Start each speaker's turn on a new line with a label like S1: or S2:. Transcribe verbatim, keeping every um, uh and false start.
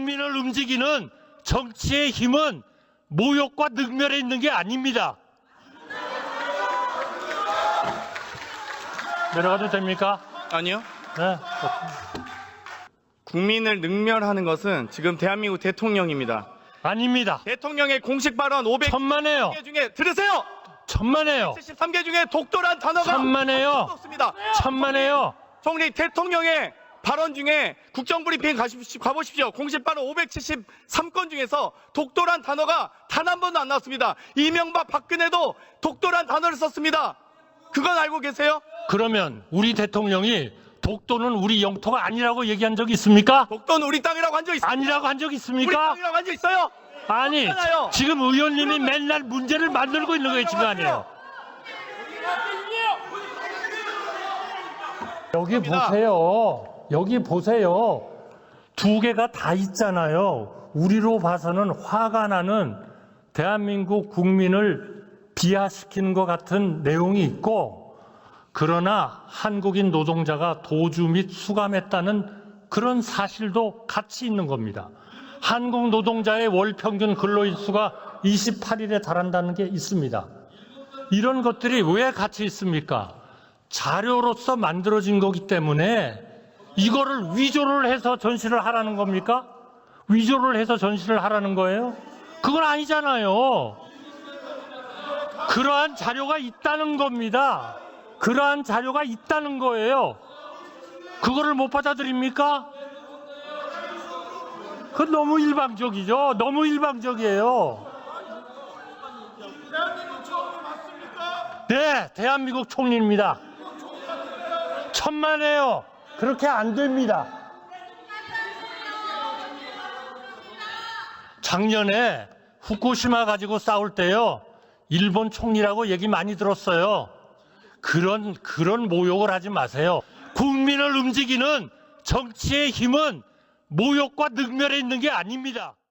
S1: 국민을 움직이는 정치의 힘은 모욕과 능멸에 있는 게 아닙니다. 내려가도 됩니까?
S2: 아니요.
S1: 네.
S2: 국민을 능멸하는 것은 지금 대한민국 대통령입니다.
S1: 아닙니다.
S2: 대통령의 공식 발언
S1: 천만에요.
S2: 오백칠십 개 중에 들으세요.
S1: 천만에요.
S2: 칠십삼 개 중에 독도란 단어가
S1: 천만에요.
S2: 없습니다.
S1: 천만에요.
S2: 총리 대통령의 발언 중에 국정브리핑 가십시오, 가보십시오. 공식 발언 오백칠십삼 건 중에서 독도란 단어가 단 한 번도 안 나왔습니다. 이명박 박근혜도 독도란 단어를 썼습니다. 그건 알고 계세요?
S1: 그러면 우리 대통령이 독도는 우리 영토가 아니라고 얘기한 적 있습니까?
S2: 독도는 우리 땅이라고 한 적 있습니까?
S1: 아니라고 한 적
S2: 우리
S1: 있습니까?
S2: 땅이라고 한 적 있어요?
S1: 아니,
S2: 없잖아요.
S1: 지금 의원님이 맨날 문제를 만들고 있는 거예요, 지금 아니에요. 여기 보세요. 여기 보세요. 두 개가 다 있잖아요. 우리로 봐서는 화가 나는 대한민국 국민을 비하시키는 것 같은 내용이 있고, 그러나 한국인 노동자가 도주 및 수감했다는 그런 사실도 같이 있는 겁니다. 한국 노동자의 월 평균 근로일수가 이십팔 일에 달한다는 게 있습니다. 이런 것들이 왜 같이 있습니까? 자료로서 만들어진 거기 때문에 이거를 위조를 해서 전시를 하라는 겁니까? 위조를 해서 전시를 하라는 거예요? 그건 아니잖아요. 그러한 자료가 있다는 겁니다. 그러한 자료가 있다는 거예요. 그거를 못 받아들입니까? 그건 너무 일방적이죠. 너무 일방적이에요. 네, 대한민국 총리입니다. 천만에요. 그렇게 안 됩니다. 작년에 후쿠시마 가지고 싸울 때요, 일본 총리라고 얘기 많이 들었어요. 그런 그런 모욕을 하지 마세요. 국민을 움직이는 정치의 힘은 모욕과 능멸에 있는 게 아닙니다.